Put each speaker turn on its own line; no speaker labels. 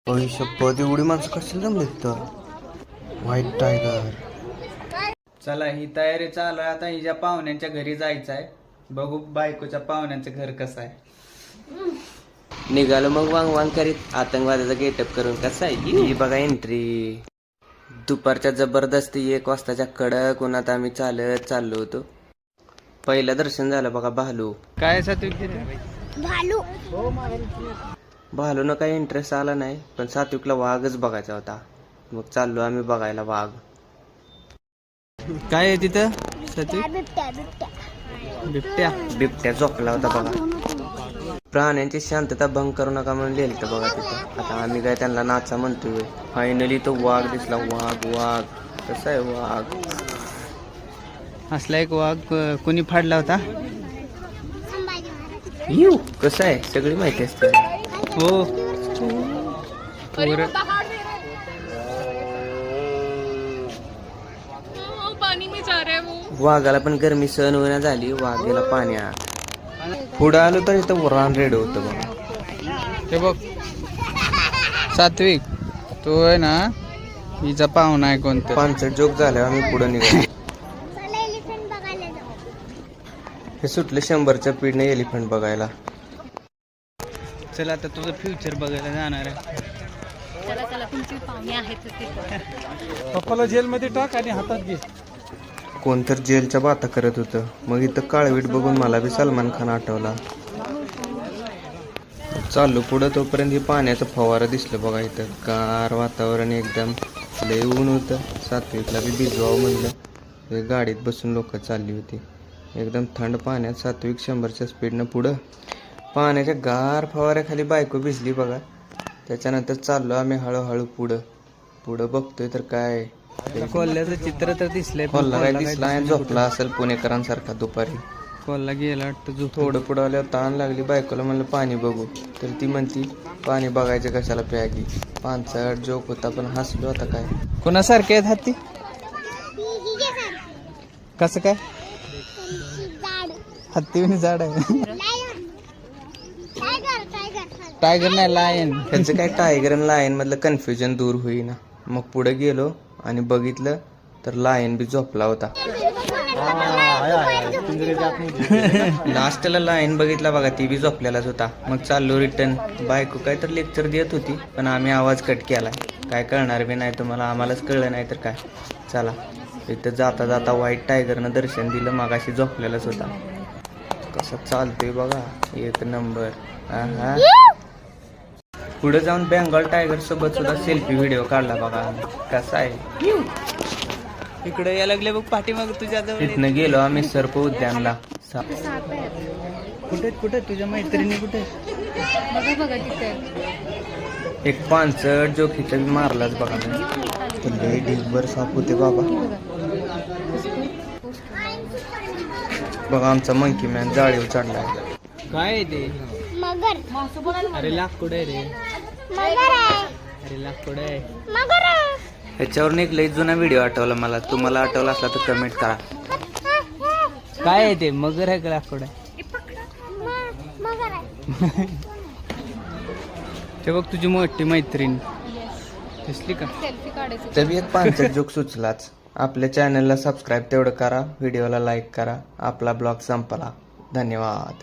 शपथ एवढी माणसं कशाला जमलीत तर व्हाईट टायगर.
चला ही तयारी चालू आहे. आता हिच्या पाहुण्यांच्या घरी जायचं आहे. बघू बायकोच्या पाहुण्यांचं घर कसं आहे.
निघालो मग वांग वांग करीत आतंकवाद्याचा गेटअप करून. कसं आहे ही बघा एंट्री. दुपारच्या जबरदस्ती 1 वाजताच्या कडक उन्हात आम्ही चालत चाललो होतो. पहिलं दर्शन झालं बघा भालू.
काय सात्विक
भालूनं काही इंटरेस्ट आला नाही, पण सात्विकला वाघच बघायचा होता. मग चाललो आम्ही बघायला वाघ.
काय आहे तिथं सात्विक? बिबट्या.
बिबट्या झोपला होता बघा. प्राण्यांची शांतता भंग करू नका म्हणून लिहिलं बघा तिथं. आता आम्ही काय त्यांना नाचा म्हणतोय. फायनली तो वाघ दिसला. वाघ कसा आहे वाघ?
असला एक वाघ कोणी फाडला होता?
कसं आहे सगळी माहिती असते.
हो.
वाघाला पण गरमी सहन होईना झाली. वाघ गेला पाण्यात. पुढं आलो तर इथं रान रेड होतं बघा.
ते बघ सात्विक, तो आहे ना हिचा पाहुणा आहे कोणतं.
5 जोक झाल्यावर आम्ही पुढे निघालो. हे सुटले 100च्या स्पीडने एलिफंट बघायला.
चला आता तुझं फ्युचर बघायला जाणार आहे.
पप्पाला जेलमध्ये टाक आणि हातात घे.
कोणतर जेलच्या बाता करत होतं. मग इथं काळवीट बघून मला बी सलमान खान आठवला. चाललो पुढं तोपर्यंत हे पाण्याचं फवारं दिसलं बघा. इथं गार वातावरण एकदम. लय ऊन होतं. सात्विकला बी भिजवावं म्हणलं. गाडीत बसून लोक चालली होती. एकदम थंड पाण्यात सात्विक 100च्या स्पीडनं पुढं. पाण्याच्या गार फवाऱ्याखाली बायको भिजली बघा. त्याच्यानंतर चाललो आम्ही हळूहळू पुढं बघतोय तर काय
कोल्ह्याचं चित्र तर दिसलंय.
कोल्हा काय दिसला आणि झोपला असेल पुणेकरांसारखा दुपारी.
कोल्हा गेला वाटतं.
थोडं पुढं आल्यावर ताण लागली. बायकोला म्हणलं पाणी बघू, तर ती म्हणती पाणी बघायचं कशाला प्यागी. 5 जोक होता पण हसलो आता काय.
कोणासारखे आहेत हत्ती? कसं काय? हत्ती पण झाड आहे. टायगर नाही, लायन.
त्याचं काय टायगर आणि लायन मधलं कन्फ्युजन दूर होईना. मग पुढे गेलो आणि बघितलं तर लायन बी झोपला होता. लास्टला लायन बघितला बघा, ती बी झोपलेलाच होता. मग चाललो रिटर्न. बायको काय तर लेक्चर देत होती, पण आम्ही आवाज कट केला. काय कळणार बी नाही तुम्हाला, आम्हालाच कळलं नाही तर काय. चला इथं जाता जाता व्हाईट टायगरनं दर्शन दिलं. मागाशी झोपलेलाच होता. कसा चालतोय बघा, 1 नंबर. हा पुढे जाऊन बेंगॉल टायगर सोबत सुद्धा सेल्फी व्हिडिओ काढला बघा. कसा आहे
इकडे या लागले बघ पाठीमाग तुझ्या जवळ.
तिथनं गेलो आम्ही सर्प उद्यानला.
कुठे तुझ्या मैत्रिणी कुठे?
एक 5 जोखीचा बी मारलाच बघा. लय ढिगभर साप होते बाबा. बघा आमचा मंकी मॅन जाळीवर चढलाय.
काय आहे ते? अरे लाकूड आहे रे. अरे लाकूड आहे.
ह्याच्यावर एक लई जुना व्हिडिओ आठवला मला. तुम्हाला आठवला असला तर कमेंट करा.
काय आहे ते? मगर आहे का लाकूड आहे? ते बघ तुझी मोठी मैत्रीण दिसली का?
तरी एक 5 जोक सुचलाच. आपल्या चॅनलला सबस्क्राईब तेवढं करा. व्हिडिओला लाईक करा. आपला ब्लॉग संपला. धन्यवाद.